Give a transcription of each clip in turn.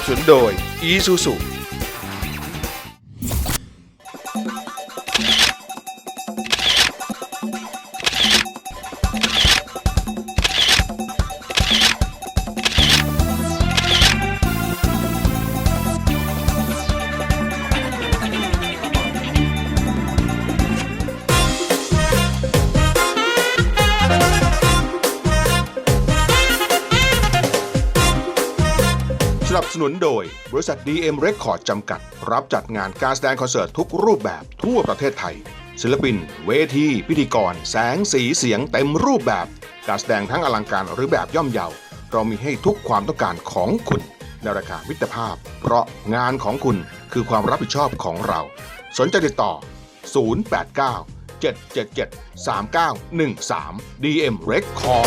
สนุนโดย Isuzuสนับสนุนโดยบริษัท DM Record จำกัดรับจัดงานการแสดงคอนเสิร์ตทุกรูปแบบทั่วประเทศไทยศิลปินเวทีพิธีกรแสงสีเสียงเต็มรูปแบบการแสดงทั้งอลังการหรือแบบย่อมเยาเรามีให้ทุกความต้องการของคุณในราคามิตรภาพเพราะงานของคุณคือความรับผิดชอบของเราสนใจติดต่อ089 777 3913 DM Record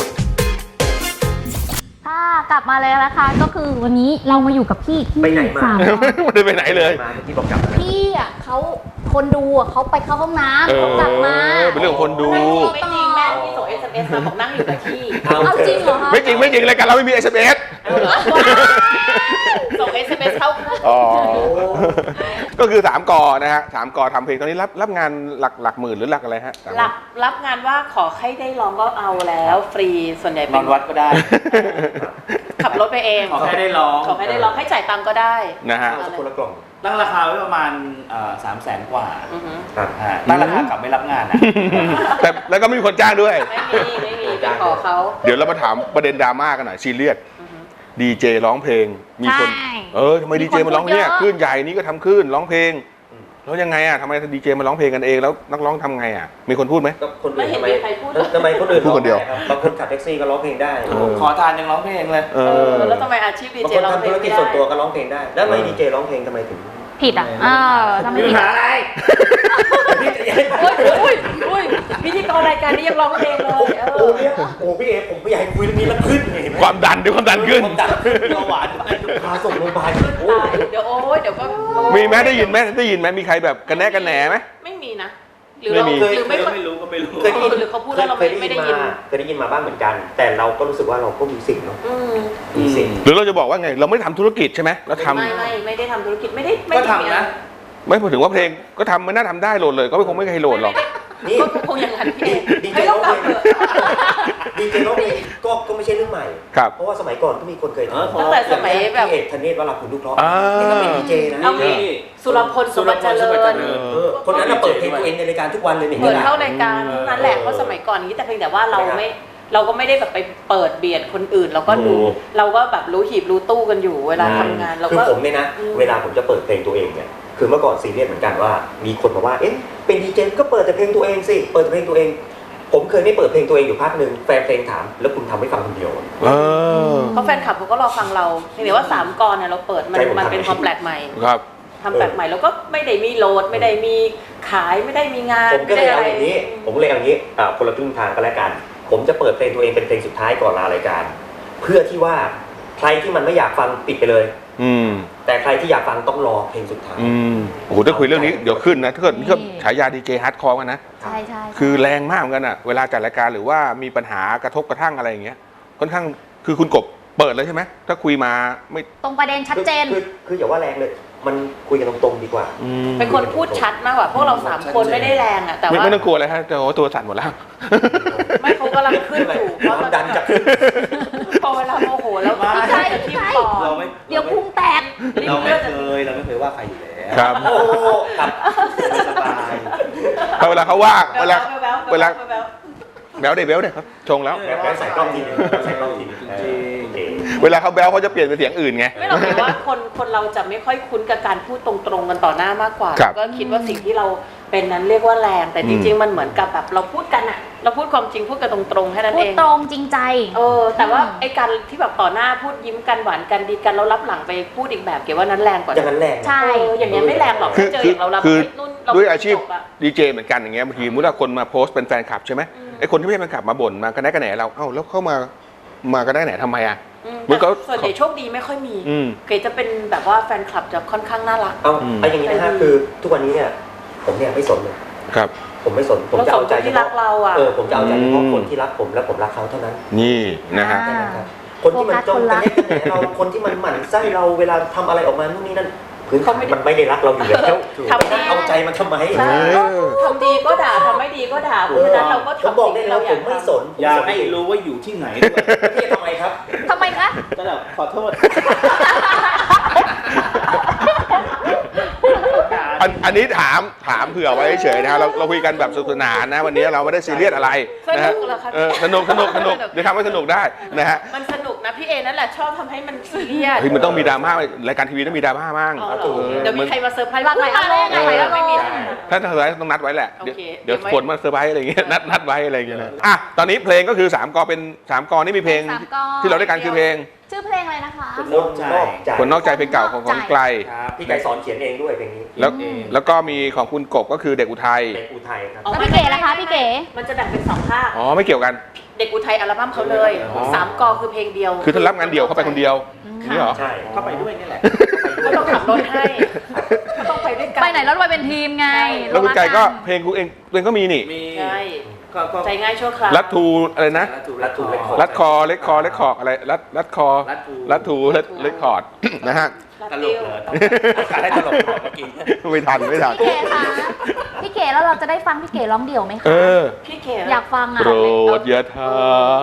กลับมาเลยนะคะก็คือวันนี้เรามาอยู่กับพี่ที่ไปไหนมาไม่ได้ไปไหนเลยมาเมื่อกี้บอกกลับมาพี่อ่ะเขาคนดูอ่ะเขาไปเข้าห้องน้ำเขากลับมาเป็นเรื่องของคนดูไม่จริงแม่ที่ส่ง SMS มาบอกนั่งอยู่กับที่เอาจริงเหรอคะไม่จริงรายการเราไม่มี SMS ส่ง SMS เข้าอ๋อก็คือ3 กอนะฮะ3 กอทำเพลงตอนนี้รับงานหลักหมื่นหรือหลักอะไรฮะรับงานว่าขอให้ได้ร้องก็เอาแล้วฟรีส่วนใหญ่นอนวัดก็ได้ขับรถไปเองขอแค่ได้ร้องขอให้ได้ร้องให้จ่ายตังค์ก็ได้นะฮะคนละกล่องตั้งราคาไว้ประมาณ300,000 กว่าอือหือครับตั้งราคากลับไม่รับงานนะแต่แล้วก็ไม่มีคนจ้างด้วยไม่มีไปขอเขาเดี๋ยวเรามาถามประเด็นดราม่ากันหน่อยซีเรียสดีเจร้องเพลงมีคนทำไมดีเจมาร้องเนี่ยคลื่นใหญ่นี้ก็ทำคลื่นร้องเพลงแล้วยังไงอ่ะทำไมดีเจมาร้องเพลงกันเองแล้วนักร้องทำไงอ่ะมีคนพูดไหมก็คนไม่อื่นเห็นทำไมมีใครพูดทำไมคนอื่นพูดคนเดียวบางคนขับแท็กซี่ก็ร้องเพลงได้ขอทานยังร้องเพลงเลยแล้วทำไมอาชีพดีบางเจคนร้องทำเพลธุงรไม่กิจได้ส่วนตัวก็ร้องเพลงได้ แล้วทำไมดีเจร้องเพลงทำไมถึงผิดอ่ะทำไมมีผิปัดญหาอะไรอุ้ยพิธีกรรายการนี้ยังร้องเพลงเลยโอ้เนี่ยโอ้พี่เอผมไม่อยากให้คุยเรื่องนี้แล้วขึ้นไงเห็นไหมความดันขึ้นความดันขึ้นเบาหวานพาส่งโรงพยาบาลโอ้เดี๋ยวเดี๋ยวก็มีไหมได้ยินไหมมีใครแบบกันแน่กันแหนไหมไม่มีนะหรือเราหรือไม่ไม่รู้ก็ไม่รู้เคยได้ยินหรือเขาพูดแล้วเราไม่ได้ยินเคยได้ยินมาบ้างเหมือนกัน แต่เราก็รู้สึกว่าเราก็มีสิ่งเนาะมีสิ่งหรือเราจะบอกว่าไงเราไม่ทำธุรกิจใช่ไหมเราทำไม่ได้ทำธุรกิจไม่ได้ก็ทำนะไม่พูดถึงว่าเพลงก็ทำไม่น่าทำได้โหลดเลยก็คงไม่เคยโหลดหรอกนี่ก็คงอย่างนั้นพี่ดีเจไม่ร้ต้ออง งเพกลลับงเถอะดีเจร้องเพลงก็ไม่ใช่เรื่องใหม่ครับเพราะว่าสมัยก่อนก็มีคนเคยทำตั้งแต่สมัยแบบพี่เอกธเนศวราคุณลูกเพราะอ่านี่ก็เป็นดีเจนะเอางี้สุรพลสุวรรณเจริญคนนั้นน่ะเปิดเพลงตัวเองในรายการทุกวันเลยเนี่ยเปิดเข้ารายการนั่นแหละเพราะสมัยก่อนนี้แต่เพียงแต่ว่าเราก็ไม่ได้แบบไปเปิดเบียดคนอื่นเราก็ดูเราก็แบบรู้หีบรู้ตู้กันอยู่เวลาทำงานเราคือก็ผมเนี่ยนะเวลาผมจะเปิดเพลงตัวเองเนี่ยคือเมื่อก่อนซีเรียสเหมือนกันว่ามีคนมาว่าเอ๊ะเป็นดีเจก็เปิดแต่เพลงตัวเองสิเปิดแต่เพลงตัวเอง ผมเคยไม่เปิดเพลงตัวเองอยู่พักหนึ่งแฟนเพลงถามแล้วคุณทำให้ฟังคนเดียวเพราะแฟนคลับเขาก็รอฟังเราเพียงแต่ว่า3 กรเนี่ยเราเปิดมันเป็นความแปลกใหม่ครับทำแปลกใหม่แล้วก็ไม่ได้มีโหลดไม่ได้มีขายไม่ได้มีงานผมก็เลยเอาอย่างนี้คนละครึ่งทางก็แล้วกันผมจะเปิดเพลงตัวเองเป็นเพลงสุดท้ายก่อนลารายการเพื่อที่ว่าใครที่มันไม่อยากฟังปิดไปเลยแต่ใครที่อยากฟังต้องรอเพลงสุดท้ายโอ้โหถ้าคุยเรื่องนี้เดี๋ยวขึ้นนะถ้าเกิดฉายาดีเจฮาร์ดคอร์กันนะใช่ใช่คือแรงมากเหมือนกันอ่ะเวลาจัดรายการหรือว่ามีปัญหากระทบกระทั่งอะไรอย่างเงี้ยค่อนข้างคือคุณกบเปิดเลยใช่ไหมถ้าคุยมาไม่ตรงประเด็นชัดเจนคืออย่าว่าแรงเลยมันคุยกันตรงๆดีกว่าเป็นคนพูดชัดมากกว่าพวกเรา3 คนไม่ได้แรงอ่ะแต่ว่าไม่ต้องกลัวอะไรฮะแต่ว่าตัวสั่นหมดแล้วไม่เขากำลังขึ้นอยู่เพราะดันจากพอเวลาโมโหแล้วพี่ชายทิ่มปอดเดี๋ยวพุงแตกเราไม่เคยว่าใครอยู่แล้วครับโอ้ครับสบายเวลาเขาว่าเวลาแบ๊วแบลเดครับชงแล้วแล้วใส่กล้องทีนึงใส่กล้องทีนึงเวลาเขาแบลเขาจะเปลี่ยนเป็นเสียงอื่นไงไม่หรอกแต่ว่าคนเราจะไม่ค่อยคุ้นกับการพูดตรงๆกันต่อหน้ามากกว่าครับก็คิดว่าสิ่งที่เราเป็นนั้นเรียกว่าแรงแต่จริงๆมันเหมือนกับแบบเราพูดกันอะเราพูดความจริงพูดกันตรงๆแค่นั้นพูเอดงตรงจริงใจแต่ว่าไอ้การที่แบบต่อหน้าพูดยิ้มกันหวานกันดีกันแล้วรับหลังไปพูดอีกแบบเกี่ยวว่านั้นแรงกว่าอย่างนั้นแรงใช่อย่างนี้ยไม่แรงหรอกถ้าเจออย่างเราคือนู่นด้วยอาชีพดีเจเหมือนกันอย่างเงี้ยบางทีมุดคนมาโพสต์เป็นแฟนคลับใช่ไหมไอ้คนที่ไม่ใช่แฟนคลับมาบ่นมากระแนะกระแหนเราเอ้าแล้วเข้ามากระแนะกระแหนทำไมอ่ะแต่ส่วนใหญ่โชคดีไม่ค่อยมีเกจะเป็นแบบว่าแฟนคลับจะค่อนข้างน่ารักเอาอย่างนี้นะฮะคือทุกวันนี้เนี่ยผมเนี่ยไม่สนเลยครับผมไม่สนผมจะเอาใจที่รักเราอ่ะผมจะเอาใจเฉพาะคนที่รักผมและผมรักเขาเท่านั้นนี่นะฮะคนที่มันจ้องโฟกัสคนรักจะเล่นกันแหนเราคนที่มันหมั่นไส้เราเวลาทำอะไรออกมานู่นนี่นั่นพื้นฐานมันไม่ได้รักเราอยู่แล้วทำดีเอาใจมันทำไมใช่ทำดีก็ด่าทำไม่ดีก็ด่าเพราะฉะนั้นเราก็ผมทำบอกสิ่งได้ที่แล้เราวอผยากมไม่สทำนอยากให้รู้ว่าอยู่ที่ไหนด้วยพี่ทำไมครับทำไมคะก็แบบขอโทษอันนี้ถามเผื่อไว้เฉยๆนะฮะเราคุยกันแบบสนุกสนานนะวันนี้เราไม่ได้ซีเรียสอะไรนะฮะสนุกเหรอคะสนุกเดี๋ยวทำให้สนุกได้นะฮะมันสนุกนะพี่เอนั่นแหละชอบทำให้มันซีเรียสเฮ้ยมันต้องมีดราม่ารายการทีวีต้องมีดราม่ามั่งเอาเหรอเออเดี๋ยวมีใครมาเซอร์ไพรส์หลากหลายอารมณ์หลากหลายอารมณ์ไม่มีถ้าเซอร์ไพรส์ต้องนัดไว้แหละโอเคเดี๋ยวผลมาเซอร์ไพรส์อะไรอย่างเงี้ยนัดไว้อะไรอย่างเงี้ยนะอ่ะตอนนี้เพลงก็คือ3 กอเป็น3 กอนี่มีเพลงสามกอที่เราได้กันคือเพลงชื่อเพลงอะไรนะคะคนนอกใจคนนอกใจเพลงเก่าของไกลครับพี่ไก่สอนเขียนเองด้วยเพลงนี้แล้วก็มีของคุณกบก็คือเด็กอุทัยเป็นอุทัยครับแล้วพี่เก๋ล่ะคะพี่เก๋มันจะแบ่งเป็น2ภาคอ๋อไม่เกี่ยวกันเด็กอุทัยอัลบั้มเขาเลยอ๋อ 3 กอคือเพลงเดียวคือถ้ารับงานเดี่ยวเข้าไปคนเดียวนี่เหรอใช่เข้าไปด้วยนี่แหละก็ต้องขับรถให้ก็ต้องไปด้วยกันไปไหนแล้วรวยเป็นทีมไงแล้วคุณไก่ก็เพลงกูเองตัวเองก็มีนี่มีใช่ก็ใจง่ายชั่วคราวรัดทูอะไรนะรัดถูกรัดคอเล็กคออะไรรัดคอ รัดทูเล็กคอร์ดนะฮะตลกเหรอการให้ตลกเหรอเมื่อกี้ไม่ทันพี่เก๋คะพี่เก๋แล้วเราจะได้ฟังพี่เก๋ร้องเดี่ยวไหมคะเออพี่เขอยากฟังอ่ะโปรดอย่าถาม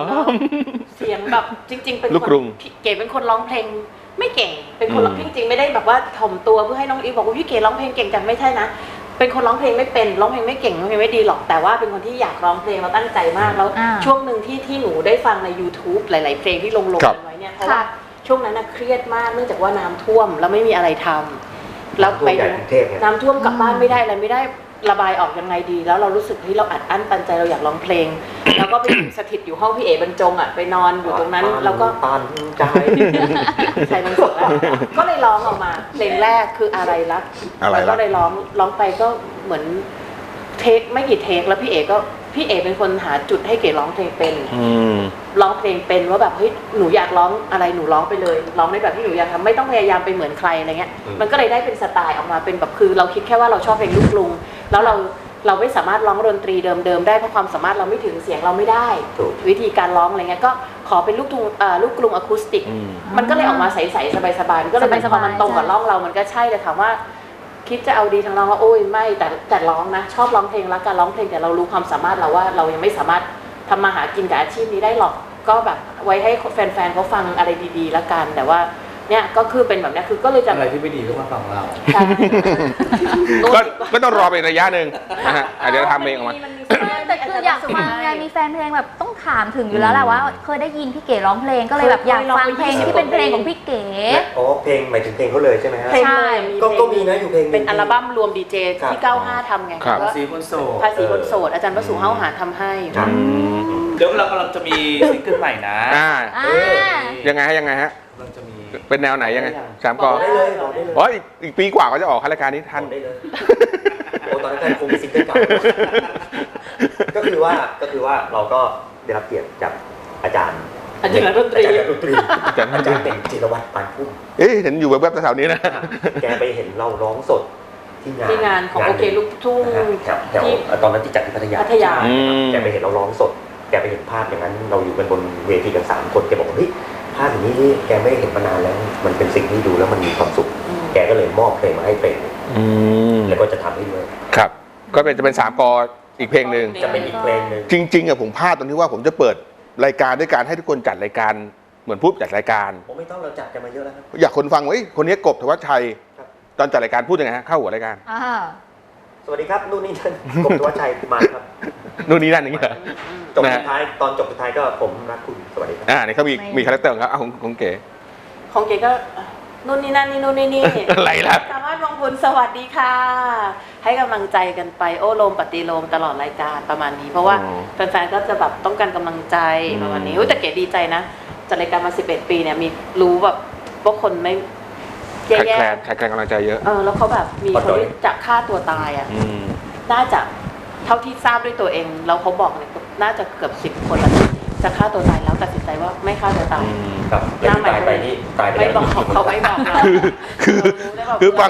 เสียงแบบจริง ๆ เป็นลูกกรุงพี่เก๋เป็นคนร้องเพลงไม่เก่ง เป็นคนร้องจริงๆไม่ได้แบบว่าถ่อมตัวเพื่อให้น้องอีฟบอกว่าพี่เก๋ร้องเพลงเก่งจังไม่ใช่นะ เป็นคนร้องเพลงไม่เป็นร้องเพลงไม่เก่งร้องเพลงไม่ดีหรอกแต่ว่าเป็นคนที่อยากร้องเพลงเราตั้งใจมากแล้ว ช่วงหนึ่งที่หนูได้ฟังใน YouTube หลาย ๆ เพลงที่ลงกันไว้เนี่ยเพราะว่าช่วงนั้นน่ะเครียดมากเนื่องจากว่าน้ำท่วมแล้วไม่มีอะไรทำแล้วไปใหญ่กรุงเทพเนี่ยน้ำท่วมกลับบ้านไม่ได้อะไรไม่ได้ระบายออกยังไงดี แล้วเรารู้สึกที่เราอัดอั้นตันใจเราอยากร้องเพลง แล้วก็ไปสถิตอยู่ห้องพี่เอ๋บรรจงอ่ะไปนอนอยู่ตรงนั้นแล้วก็ตันใจใส่มันสดแล้วก็เลยร้องออกมาเพลงแรกคืออะไรรักอะไรรักแล้วก็เลยร้องไปก็เหมือนเทคไม่กี่เทคแล้วพี่เอ๋เป็นคนหาจุดให้เก๋ร้องเพลงเป็น ร้องเพลงเป็นว่าแบบเฮ้ยหนูอยากร้องอะไรหนูร้องไปเลยร้องในแบบที่หนูอยากทำไม่ต้องพยายามไปเหมือนใครอะไรเงี้ยมันก็เลยได้เป็นสไตล์ออกมาเป็นแบบคือเราคิดแค่ว่าเราชอบเพลงลูกกรุงแล้วเราไม่สามารถร้องดนตรีเดิมๆได้เพราะความสามารถเราไม่ถึงเสียงเราไม่ได้ถูกวิธีการร้องอะไรเงี้ยก็ขอเป็นลูกกรุงอะคูสติก มันก็เลยออกมาใสๆสบายๆก็เลยพอมันตรงกับร่องเรามันก็ใช่แต่ถามว่าคิดจะเอาดีทางร้องว่าโอ้ยไม่แต่ร้องนะชอบร้องเพลงรักการร้องเพลงแต่เรารู้ความสามารถเราว่าเรายังไม่สามารถทำมาหากินกับอาชีพนี้ได้หรอกก็แบบไว้ให้แฟนๆเขาฟังอะไรดีๆแล้วกันแต่ว่าเนี่ยก็คือเป็นแบบนี้คือก็เลยจะอะไรที่ไม่ดีก็มาฟังเราใช่ก็ต้องรอไประยะหนึ่งนะฮะอาจจะทำเองออกมาแต่คืออยากฟังไงมีแฟนเพลงแบบต้องถามถึงอยู่แล้วแหละว่าเคยได้ยินพี่เก๋ร้องเพลงก็เลยแบบอยากฟังเพลงที่เป็นเพลงของพี่เก๋อ๋อเพลงหมายถึงเพลงเขาเลยใช่ไหมฮะเพลงเลยก็มีนะอยู่เพลงหนึ่งเป็นอัลบั้มรวมดีเจครับที่ 95ทำไงครับก็ภาษีคนโสดภาษีคนโสดอาจารย์วสุเฮ้าหาทำให้เดี๋ยวเรากำลังจะมีซิงเกิลใหม่นะยังไงฮะเราจะมีเป็นแนวไหนยังไง3 กอบอกได้เลยบอกได้เลยอ๋ออีกปีกว่าก็จะออกรายการนี้ทันบอกได้เลยโอ้ตอนนั้นคงมีซิงเกิลเก่าก็คือว่าเราก็ได้รับเกียรติจากอาจารย์อาจารย์ดนตรีอาจารย์เป็นจิรวัตรปานพุ่มเอ๊ะเห็นอยู่แวบๆแถวๆนี้นะแกไปเห็นเราร้องสดที่งานของโอเคลูกทุ่งแถวตอนนั้นที่จัดที่พัทยาพัทยาแกไปเห็นเราร้องสด แกไปเห็นภาพอย่างนั้นเราอยู่กันบนเวทีกัน3 คนแกบอกว่าเฮ้ยภาพอย่างนี้นี่แกไม่เห็นมานานแล้วมันเป็นสิ่งที่ดูแล้วมันมีความสุข แกก็เลยมอบเพลงมาให้เพลงแล้วก็จะทำให้ด้วยครับ ก็จะเป็น3 กออีกเพลงหนึ่งจะเป็นอีกเพลงหนึ่งจริงๆอะผมพลาดตรงที่ว่าผมจะเปิดรายการด้วยการให้ทุกคนจัดรายการเหมือนพูดจัดรายการผมไม่ต้องเราจัดกันมาเยอะแล้วครับอยากคนฟังว่าเอ้ยคนนี้กบธวัชชัย ตอนจัดรายการพูดยังไงฮะเข้าหัวรายการสวัสดีครับนู่นนี่นั่นกบธวัชชัยมาครับนู่นนี่นั่นอย่างเงี้ยเหรอจบสุดท้ายตอนจบสุดท้ายก็ผมรักคุณสวัสดีครับนี่เขามีคาแรคเตอร์ของเขาของเก๋ของเก๋ก็นู่นนี่นั่นนี่นู่นนี่นี่อะไรล่ะสามารถมองบุญสวัสดีค่ะ ให้กำลังใจกันไปโอ้โลมปฏิโลมตลอดรายการประมาณนี้ เพราะว่าแฟนๆก็จะแบบต้องการกำลังใจประมาณนี้แต่เก๋ดีใจนะจัดรายการมา11 ปีเนี่ยมีรู้แบบว่าคนไม่แย่แขกกำลังใจเยอะแล้วเขาแบบมีคนที่จะฆ่าตัวตายอ่ะน่าจะเท่าที่ทราบด้วยตัวเองแล้วเขาบอกเนี่ยน่าจะเกือบ10 คนแล้วจะฆ่าตัวตายแล้วตัดสินใจว่าไม่ฆ่าตัวตายครับแล้วที่ตายไปนี่ตายไปไม่แล้วบอกเขาไม่บอกเราคือฟัง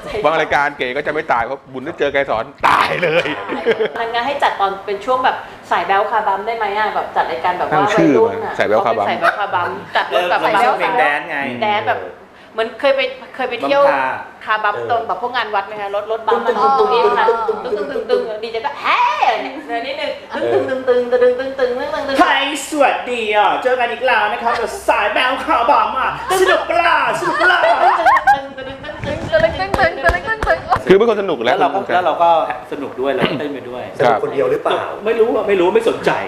บางรายการเก๋ก็จะไม่ตายเพราะบุญได้เจอไกรสอนตายเลยงั้นให้จัดตอนเป็นช่วงแบบสายแบลคาบัมได้ไหมอ่ะแบบจัดรายการแบบว่าตั้งชื่อมาสายแบ๊วคาบัมสายแบลคาบัมจัดรถแบบใส่เพลงแดนไงแดนแบบเหมือนเคยไปเที่ยวบัมคาคาบัมตรงแบบพวกงานวัดไหมคะรถบัมมันตึงตึงดีเจก็แฮ่เนี่ยนิดนึงตึงไทยสวัสดีเจอกันอีกแล้วนะครับกับสายแบลคาบัมสนุกปะล่ะสนุกปะล่ะคือเป็นคนสนุกแล้แล้ววเราก็สนุกด้วยเราก็เต้นไปด้วยสนุกคนเดียวหรือเปล่าไม่รู้ไม่สนใจ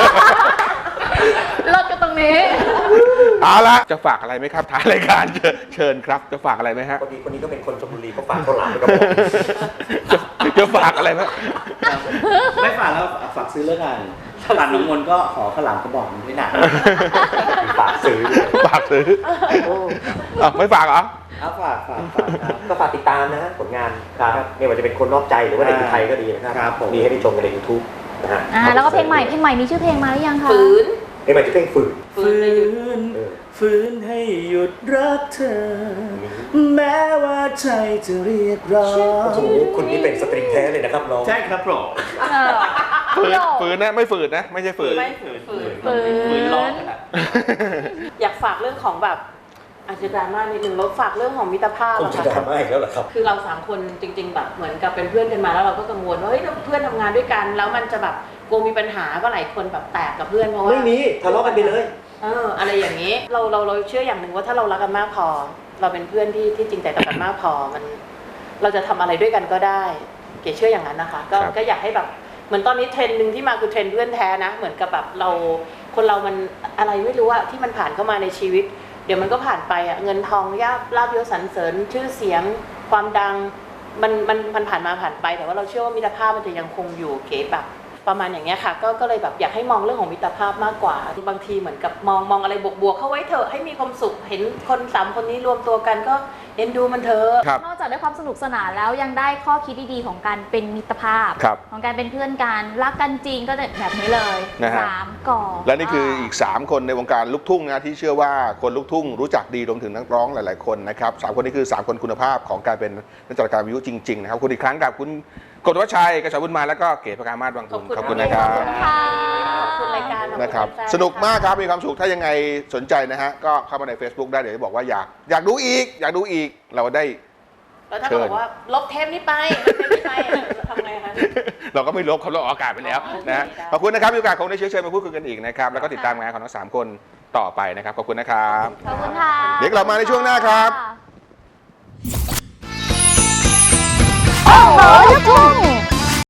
เลิกกันตรงนี้เอาละจะฝากอะไรไหมครับท้ายรายการเชิญครับจะฝากอะไรไหมฮะคนนี้ก็เป็นคนชลบุรีก็ฝากข้าวหลามไปกระบอกจะฝากอะไรไหมไม่ฝากแล้วฝากซื้อเรื่องงานร้านน้องมนก็ขอข้าวหลามกระบอกนึงด้วยนะฝากซื้อฝากซื้อไม่ฝากเหรอฝากครับก็ฝากติดตามนะผลงานครับไม่ว่าจะเป็นคนนอกใจหรือว่าในไทยก็ดีนะครับครับผมมีให้ได้ชมกันใน YouTube นะฮะแล้วก็เพลงใหม่มีชื่อเพลงมาหรือยังคะฝืนเพลงใหม่ที่เพลงฝืนฝืนให้หยุดรักเธอ แม้ว่าใจจะเรียกร้องโอ้โหคุณนี่เป็นสตริงแท้เลยนะครับน้องใช่ครับผมฝืนนะไม่ฝืนนะไม่ใช่ฝืนไม่ฝืนฝืนร้องขนาดอยากฝากเรื่องของแบบอาจจะดราม่านิดนึงแล้วฝากเรื่องของมิตรภาพคุณอะจะค่ะดราม่าอีกแล้วเหรอครับคือเรา3คนจริง ๆ แบบเหมือนกับเป็นเพื่อนกันมาแล้วเราก็กังวลว่าเฮ้ยถ้าเพื่อนทำงานด้วยกันแล้วมันจะแบบกลัวมีปัญหาก็หลายคนแบบแตกกับเพื่อนเพราะว่าไม่มีทะเลาะกันไปเลยอะไรอย่างนี้เราเชื่ออย่างหนึ่งว่าถ้าเรารักกันมากพอ เราเป็นเพื่อนที่จริงใจต่อกันมากพอมันเราจะทำอะไรด้วยกันก็ได้เก๋เชื่ออย่างนั้นนะคะก็อยากให้แบบเหมือนตอนนี้เทรนด์หนึ่งที่มาคือเทรนด์เพื่อนแท้นะเหมือนกับแบบคนเรามันอะไรไม่รู้อะที่มันผ่านเข้ามาในชีวิตเดี๋ยวมันก็ผ่านไปอะเงินทองลาภยศสรรเสริญชื่อเสียงความดังมันผ่านมาผ่านไปแต่ว่าเราเชื่อว่ามิตรภาพมันจะยังคงอยู่เก๋แบบประมาณอย่างเงี้ยค่ะก็เลยแบบอยากให้มองเรื่องของมิตรภาพมากกว่าบางทีเหมือนกับมองอะไรบวกๆเข้าไว้เถอะให้มีความสุขเห็นคน3คนนี้รวมตัวกันก็เอ็นดูมันเถอะครับนอกจากได้ความสนุกสนานแล้วยังได้ข้อคิดดีๆของการเป็นมิตรภาพครับของการเป็นเพื่อนกันรักกันจริงก็แบบนี้เลยนะฮะ 3 ก่อและนี่คืออีก 3 คนในวงการลูกทุ่งนะที่เชื่อว่าคนลูกทุ่งรู้จักดีรวมถึงนักร้องหลาย ๆ คนนะครับ3 คนนี้คือ 3 คนคุณภาพของการเป็นนักจัดการวิทยุจริง ๆ นะครับคุณอีกครั้งกับคุณกฎวัชชัยกระชาบุญมาแล้วก็เก๋ประกามาศวังคุณขอบคุณนะครับขอบคุณรายการขอบณนะครับแฟๆสนุกมากครับมีความสุขถ้ายังไงสนใจนะฮะก็เข้ามาใน Facebook ได้เดี๋ยวจะบอกว่าอยากดูอีกเราได้แล้วถ้าเขาบอกว่าลบเทปนี้ไปทำไงคะเราก็ไม่ลบเขาเราออกอากาศไปแล้วนะฮะได้ขอบคุณนะครับมีโอกาสคงได้เชิญมาพูดคุยกันอีกนะครับแล้วก็ติดตามงานของทั้ง3 คนต่อไปนะครับขอบคุณนะครับขอบคุณค่ะเดี๋ยวกลับมาในช่วงหน้าครับโอ้โหลูกทุ่ง